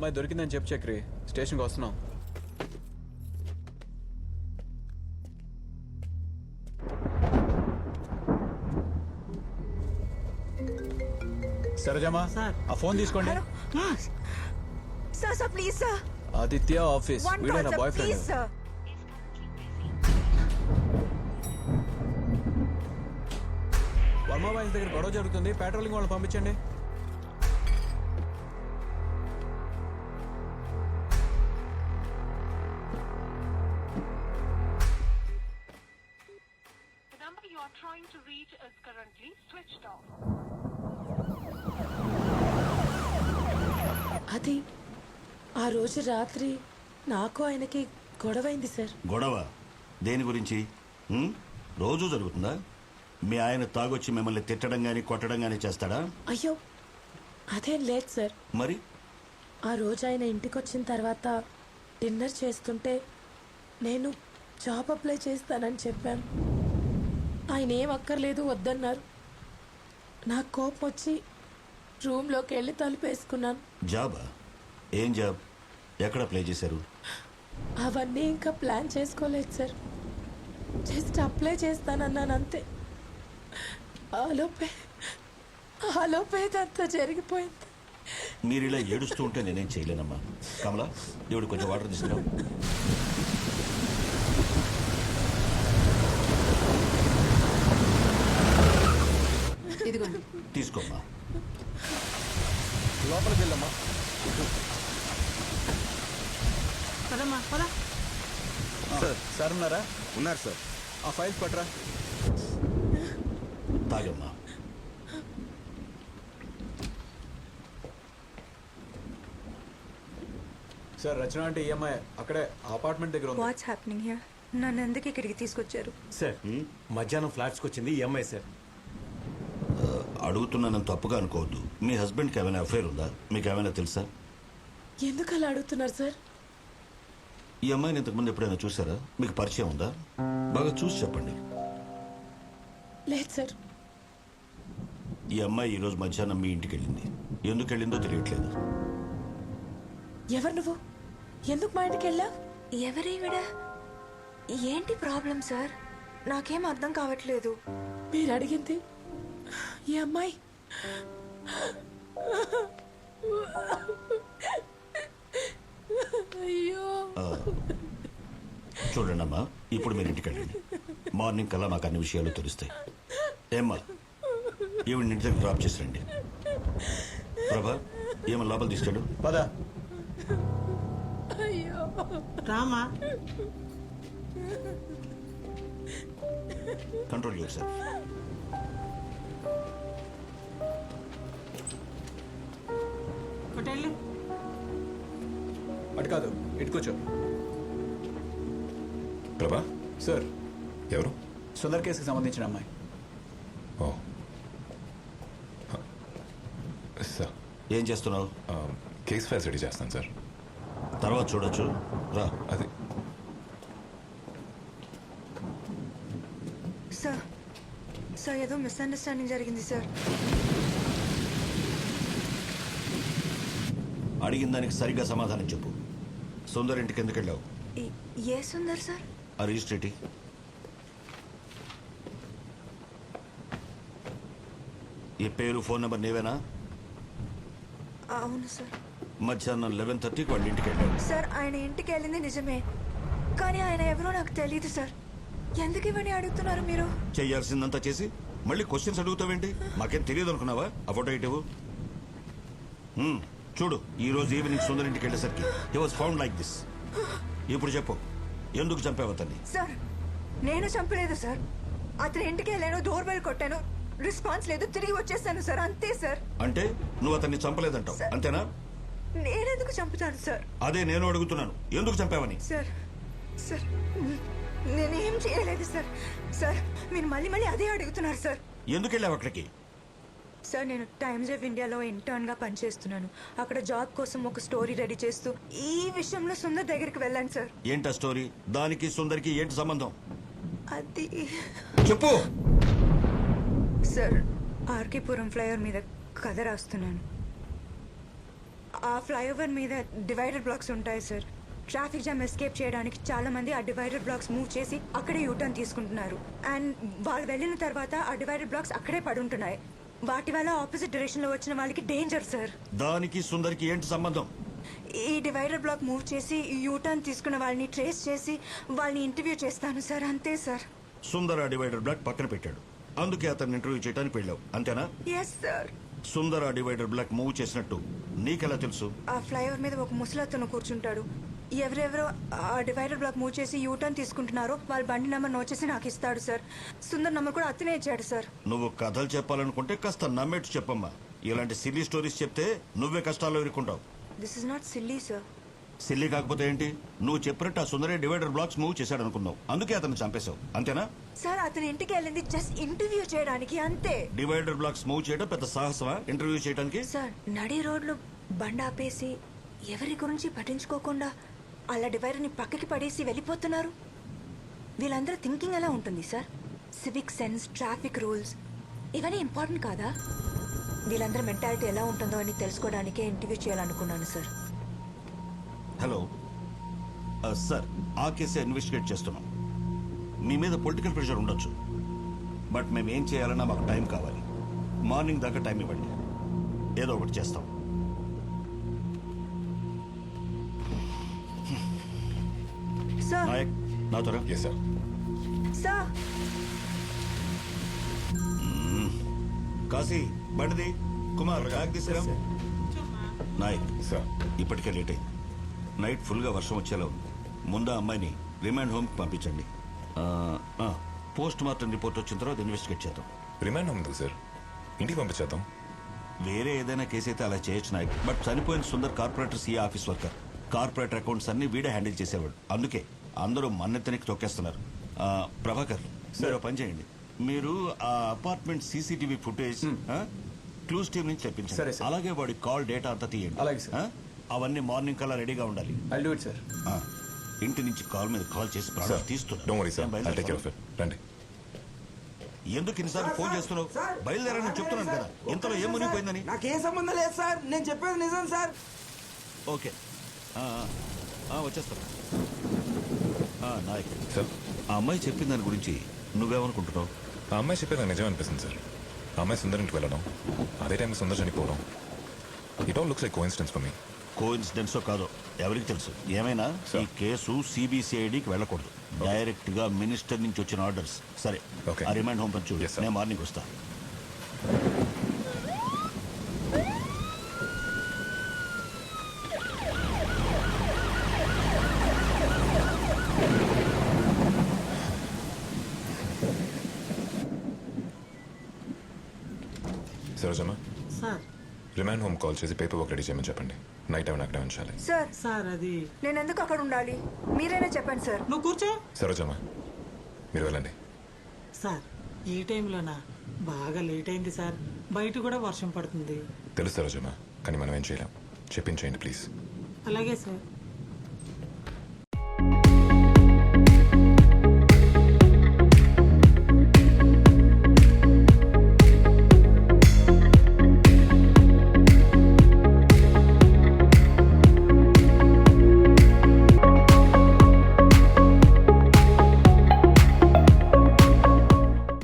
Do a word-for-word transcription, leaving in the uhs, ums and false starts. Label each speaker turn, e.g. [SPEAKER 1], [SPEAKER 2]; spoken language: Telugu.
[SPEAKER 1] అమ్మాయి దొరికిందని చెప్పు చక్రి, స్టేషన్కి వస్తున్నాం. సరేజమ్మా, ఆ ఫోన్ తీసుకోండి.
[SPEAKER 2] Sir sir please sir.
[SPEAKER 1] Aditya office,
[SPEAKER 2] one
[SPEAKER 1] వీడే నా
[SPEAKER 2] call
[SPEAKER 1] boy
[SPEAKER 2] sir please
[SPEAKER 1] friend.
[SPEAKER 2] Sir.
[SPEAKER 1] Varma boys దగ్గర గొడవ జరుగుతుంది, పెట్రోలింగ్ వాళ్ళని పంపించండి.
[SPEAKER 3] The number you are trying to reach is currently switched off.
[SPEAKER 4] అది ఆ రోజు రాత్రి నాకు ఆయనకి గొడవైంది సార్.
[SPEAKER 5] గొడవ దేని గురించి? ఉమ్, రోజు జరుగుతుందా? మీ ఆయన తాగొచ్చి మిమ్మల్ని తిట్టడం గాని కొట్టడం గాని చేస్తాడా?
[SPEAKER 4] అయ్యో అదేం లేదు సార్.
[SPEAKER 5] మరి
[SPEAKER 4] ఆ రోజు ఆయన ఇంటికి వచ్చిన తర్వాత డిన్నర్ చేస్తుంటే నేను జాబ్ అప్లై చేస్తానని చెప్పాను. ఆయన ఏం అక్కర్లేదు వద్దన్నారు. నాకు కోపం వచ్చి రూమ్లోకి వెళ్ళి తలుపేసుకున్నాను.
[SPEAKER 5] జాబా? ఏం జాబ్? ఎక్కడ అప్లై చేశారు?
[SPEAKER 4] అవన్నీ ఇంకా ప్లాన్ చేసుకోలేదు సార్. జస్ట్ అప్లై చేస్తానన్నాను అంతే. ఆలోపే ఆలోపే అంతా జరిగిపోయింది.
[SPEAKER 5] మీరు ఇలా ఏడుస్తూ ఉంటే నేనేం చేయలేనమ్మా. కమలా, దేవుడు కొంచెం వాటర్ తీసుకురా.
[SPEAKER 2] ఇదిగోండి.
[SPEAKER 5] తీసుకోమ్మా.
[SPEAKER 1] లోపలికి వెళ్ళమ్మా.
[SPEAKER 2] పదమ్మా పద.
[SPEAKER 1] సార్ సార్ ఉన్నారా?
[SPEAKER 6] ఉన్నారు సార్.
[SPEAKER 1] ఆ ఫైల్స్ పట్టరా.
[SPEAKER 5] తాగమ్మా.
[SPEAKER 1] సార్ రచన అంటే ఈఎంఐ అక్కడే అపార్ట్మెంట్ దగ్గర ఉంది.
[SPEAKER 2] What's happening here? నన్ను ఎందుకు ఇక్కడికి తీసుకొచ్చారు?
[SPEAKER 6] సార్ మధ్యాహ్నం ఫ్లాట్స్కి వచ్చింది ఈ అమ్మాయి సార్.
[SPEAKER 5] అడుగుతున్నానని తప్పుగా అనుకోవద్దు. మీ హస్బెండ్కి ఏమైనా అఫైర్ ఉందా? మీకు ఏమైనా తెలుసా?
[SPEAKER 4] ఎందుకు అలా అడుగుతున్నారు సార్?
[SPEAKER 5] ఈ అమ్మాయిని ఇంతకుముందు ఎప్పుడైనా చూసారా? మీకు పరిచయం ఉందా? బాగా చూసి చెప్పండి.
[SPEAKER 4] లేదు సార్.
[SPEAKER 5] ఈ అమ్మాయి ఈరోజు మధ్యాహ్నం మీ ఇంటికి వెళ్ళింది. ఎందుకు వెళ్ళిందో తెలియట్లేదు.
[SPEAKER 4] ఎవరు నువ్వు? ఎందుకు మా ఇంటికి వెళ్ళా?
[SPEAKER 2] ఎవరీవిడ? ఏంటి ప్రాబ్లం సార్? నాకేం అర్థం కావట్లేదు.
[SPEAKER 4] మీరు అడిగింది ఈ అమ్మాయి. అయ్యో
[SPEAKER 5] చూడండి అమ్మా, ఇప్పుడు మీరు ఇంటికి వెళ్ళండి. మార్నింగ్ కల్లా మాకు అన్ని విషయాలు తెలుస్తాయి. ఏమ్మా, ఈవిడ ఇంటి దగ్గర డ్రాప్ చేసి రండి. ప్రభా, ఏమో లోపల తీసుకెళ్ళు.
[SPEAKER 1] పదా.
[SPEAKER 4] అయ్యో
[SPEAKER 2] రామా.
[SPEAKER 5] Control your self.
[SPEAKER 1] అటు కాదు, ఇటు కూర్చో.
[SPEAKER 6] ప్రభా,
[SPEAKER 1] సార్,
[SPEAKER 6] ఎవరు?
[SPEAKER 1] సుందర్ కేసుకి సంబంధించిన అమ్మాయి.
[SPEAKER 6] ఓ సార్,
[SPEAKER 5] ఏం చేస్తున్నావు?
[SPEAKER 6] కేస్ ఫైల్స్ రెడీ చేస్తాను సార్.
[SPEAKER 5] తర్వాత చూడొచ్చు, రా.
[SPEAKER 6] అది
[SPEAKER 2] సార్ సార్ ఏదో మిస్అండర్స్టాండింగ్ జరిగింది సార్.
[SPEAKER 5] అడిగిన దానికి సరిగ్గా సమాధానం చెప్పు. సుందర్ ఇంటికి ఎందుకు వెళ్ళావు?
[SPEAKER 2] ఈ- ఏ సుందర్ సార్?
[SPEAKER 5] ఆ రిజిస్ట్రేటి. ఈ పేరు ఫోన్ నెంబర్ నీవేనా?
[SPEAKER 2] అవును సార్.
[SPEAKER 5] మధ్యాహ్నం లెవెన్ థర్టీకి వాళ్ళ ఇంటికి వెళ్ళావు.
[SPEAKER 2] సార్ ఆయన ఇంటికి వెళ్ళింది నిజమే, కానీ ఆయన ఎవరో నాకు తెలియదు సార్. ఎందుకు ఇవన్నీ అడుగుతున్నారు మీరు?
[SPEAKER 5] చేయాల్సిందంతా చేసి మళ్ళీ క్వశ్చన్స్ అడుగుతావేంటి? మాకేం తెలియదు అనుకున్నావా? ఆ ఫోటో ఇటు చూడు. ఈ రోజు ఈవినింగ్ సుందర్ ఇంటికి వెళ్ళేసరికి he was found like this. ఇప్పుడు చెప్పు, ఎందుకు చంపావు అతన్ని?
[SPEAKER 2] సార్ నేను చంపలేదు సార్. అతని ఇంటికి వెళ్ళాను, డోర్ బెల్ కొట్టాను, రెస్పాన్స్ లేదు, తిరిగి వచ్చేసాను సార్, అంతే సార్.
[SPEAKER 5] అంటే నువ్వు అతన్ని చంపలేదంటావు, అంతేనా?
[SPEAKER 2] నేనెందుకు చంపుతాను సార్?
[SPEAKER 5] అదే నేను అడుగుతున్నాను, ఎందుకు చంపావని?
[SPEAKER 2] సార్ సార్ నేనేం చేయలేదు సార్. సార్ మీరు మళ్ళీ మళ్ళీ అదే అడుగుతున్నారు సార్.
[SPEAKER 5] ఎందుకు వెళ్ళావు అక్కడికి?
[SPEAKER 2] సార్ నేను టైమ్స్ ఆఫ్ ఇండియాలో ఇంటర్న్గా పనిచేస్తున్నాను. అక్కడ జాబ్ కోసం ఒక స్టోరీ రెడీ చేస్తూ ఈ విషయంలో సుందర్ దగ్గరికి వెళ్ళాను సార్.
[SPEAKER 5] ఏంటా స్టోరీ? దానికి సుందర్కి ఏంటి సంబంధం?
[SPEAKER 2] అది
[SPEAKER 5] చెప్పు.
[SPEAKER 2] సార్ ఆర్కేపురం ఫ్లైఓవర్ మీద కథ రాస్తున్నాను. ఆ ఫ్లైఓవర్ మీద డివైడర్ బ్లాక్స్ ఉంటాయి సార్. ట్రాఫిక్ జామ్ ఎస్కేప్ చేయడానికి చాలా మంది ఆ డివైడర్ బ్లాక్స్ మూవ్ చేసి అక్కడే యూటర్న్ తీసుకుంటున్నారు. అండ్ వాళ్ళు వెళ్ళిన తర్వాత ఆ డివైడర్ బ్లాక్స్ అక్కడే పడుంటున్నాయి. వాటి వల్ల ఆపోజిట్ డైరెక్షన్ లో వచ్చిన వాళ్ళకి డేంజర్ సార్.
[SPEAKER 5] దానికి సుందరికి ఏంటి సంబంధం?
[SPEAKER 2] ఈ డివైడర్ బ్లాక్ మూవ్ చేసి యూటర్న్ తీసుకున్న వాళ్ళని ట్రేస్ చేసి వాళ్ళని ఇంటర్వ్యూ చేస్తాను సార్. అంతే సార్.
[SPEAKER 5] సుందర డివైడర్ బ్లాక్ పక్కన పెట్టాడు, అందుకే అతన్ని ఇంటర్వ్యూ చేయడానికి వెళ్ళావు, అంతేనా?
[SPEAKER 2] Yes sir.
[SPEAKER 5] Sundar divider block move చేసినట్టు నీకెలా తెలుసు?
[SPEAKER 2] ఆ ఫ్లైఓవర్ మీద ఒక ముసలతను కూర్చుంటాడు. ఎవరెవరో ఆ డివైడర్ బ్లాక్ మూవ్ చేసి యూటర్న్ తీసుకుంటున్నారో వాళ్ళ బండి నెంబర్ నోట్ చేసి నాకు ఇస్తాడు సార్. సుందర్ నెంబర్ కూడా అతనే ఇచ్చాడు సార్.
[SPEAKER 5] నువ్వు కథలు చెప్పాలనుకుంటే కాస్త నమ్మేట్టు చెప్పమ్మా. ఇలాంటి సిల్లీ స్టోరీస్ చెప్తే నువ్వే కష్టాల్లో ఇరుక్కుంటావు.
[SPEAKER 2] This is not silly sir.
[SPEAKER 5] Silly కాకపోతే ఏంటి? నువ్వు చెప్పినట్టు ఆ సుందరే డివైడర్ బ్లాక్స్ మూవ్ చేశాడు అనుకున్నావు, అందుకే అతను చంపేశావు, అంతేనా?
[SPEAKER 2] సార్ అతని ఇంటికి వెళ్ళింది జస్ట్ ఇంటర్వ్యూ చేయడానికి, అంతే.
[SPEAKER 5] డివైడర్ బ్లాక్స్ మూవ్ చేయడం పెద్ద సాహసమా ఇంటర్వ్యూ చేయడానికి?
[SPEAKER 2] సార్ నడి రోడ్లు బండి ఆపేసి ఎవరి గురించి పట్టించుకోకుండా అలా డివైడర్ ని పక్కకి పడేసి వెళ్ళిపోతున్నారు. వీళ్ళందరూ థింకింగ్ ఎలా ఉంటుంది sir? Civic sense, traffic rules ఇవన్నీ ఇంపార్టెంట్ కాదా? వీళ్ళందరూ మెంటాలిటీ ఎలా ఉంటుందో అని తెలుసుకోవడానికే ఇంటర్వ్యూ చేయాలనుకున్నాను సార్.
[SPEAKER 5] హలో ఆ, సార్ ఆ కేసే ఇన్వెస్టిగేట్ చేస్తున్నాం. మీ మీద పొలిటికల్ ప్రెషర్ ఉండొచ్చు, బట్ మేము ఏం చేయాలన్నా మాకు టైం కావాలి. మార్నింగ్ దాకా టైం ఇవ్వండి, ఏదో ఒకటి చేస్తాం.
[SPEAKER 2] సార్
[SPEAKER 5] నాయక్ నా త్వర
[SPEAKER 6] ఎస్ సార్.
[SPEAKER 2] సార్
[SPEAKER 5] కాశీ బండిది, కుమార్ బ్యాగ్ తీసుకురా. నాయక్
[SPEAKER 6] సార్
[SPEAKER 5] ఇప్పటికే లేట్ అయింది. నైట్ ఫుల్గా వర్షం వచ్చేలా ఉంది. ముందు ఆ అమ్మాయిని రిమాండ్ హోమ్కి పంపించండి. పోస్ట్ మార్టం రిపోర్ట్ వచ్చిన తర్వాత ఇన్వెస్టిగేట్ చేద్దాం.
[SPEAKER 6] రిమాండ్ ఉంది సార్, ఇంటికి పంపించేద్దాం.
[SPEAKER 5] వేరే ఏదైనా కేసు అయితే అలా చేయొచ్చు నాయక్, బట్ చనిపోయిన Sundar corporator CA office worker. Corporator accounts అన్ని వీడే హ్యాండిల్ చేసేవాడు, అందుకే అందరూ మన్నెత్తనికి తొక్కేస్తున్నారు. ఆ, ప్రభాకర్ మీరు ఓ పని చేయండి, మీరు ఆ apartment CCTV footage clues team నుంచి
[SPEAKER 1] సరే,
[SPEAKER 5] తెప్పించండి.
[SPEAKER 1] సార్.
[SPEAKER 5] అలాగే వాడి కాల్ డేటా అంతా తీయండి.
[SPEAKER 1] అలాగే, సార్.
[SPEAKER 5] ఆ? అవన్నీ మార్నింగ్ కల్లా రెడీగా ఉండాలి.
[SPEAKER 1] I do it sir.
[SPEAKER 5] ఆ, ఇంటి నుంచి కాల్ మీద కాల్ చేసి ప్రాణాలు
[SPEAKER 6] sir don't worry sir, I'll take care of
[SPEAKER 5] తీస్తున్నారు.
[SPEAKER 6] ఇట్. రండి.
[SPEAKER 5] ఎందుకు ఇన్నిసార్లు ఫోన్ చేస్తున్నావు? బయలుదేరని చెప్తున్నాను కదా, ఇంతలో ఏం మునిగిపోయిందని.
[SPEAKER 7] నాకేం సంబంధం లేదు సార్, నేను చెప్పేది నిజం సార్.
[SPEAKER 5] ఓకే ఆ, ఆ, ఆ, వచ్చేస్తాను. ఆ, నాయక్
[SPEAKER 6] సార్
[SPEAKER 5] ఆ అమ్మాయి చెప్పిన దాని గురించి నువ్వేమనుకుంటున్నావు?
[SPEAKER 6] ఆ అమ్మాయి చెప్పేది నాకు నిజం అనిపిస్తుంది సార్. ఆ అమ్మాయి సుందర్ ఇంటికి వెళ్ళడం, అదే టైం సుందర్ చనిపోవడం, it all looks like coincidence for me.
[SPEAKER 5] కోఇన్సిడెన్సో కాదో ఎవరికి తెలుసు. ఏమైనా ఈ కేసు సిబిసిఐడికి వెళ్ళకూడదు, డైరెక్ట్ గా మినిస్టర్ నుంచి వచ్చిన ఆర్డర్స్. సరే
[SPEAKER 6] Okay.
[SPEAKER 5] ఆ రిమైండ్ హోమ్ పంచు,
[SPEAKER 6] Yes, sir.
[SPEAKER 5] నేను మార్నింగ్ వస్తా.
[SPEAKER 6] Sarojamma
[SPEAKER 8] sir
[SPEAKER 6] remand home call చేసి పేపర్ వర్క్ రెడీ చేయమని చెప్పండి. నైట్ టైం అక్కడే ఉంచాలి.
[SPEAKER 2] సార్
[SPEAKER 8] సార్ అది
[SPEAKER 2] నేను ఎందుకు అక్కడ ఉండాలి? మీరైనా చెప్పండి సార్.
[SPEAKER 8] నువ్వు కూర్చో.
[SPEAKER 6] సరోజమ్మ మీరు వెళ్ళండి.
[SPEAKER 8] సార్ ఈ టైంలోనా? బాగా లేట్ అయింది సార్, బయట కూడా వర్షం పడుతుంది.
[SPEAKER 6] తెలుసు సరోజమ్మ, కానీ మనం ఏం చేయలేం. చెప్పించేయండి ప్లీజ్.
[SPEAKER 8] అలాగే సార్.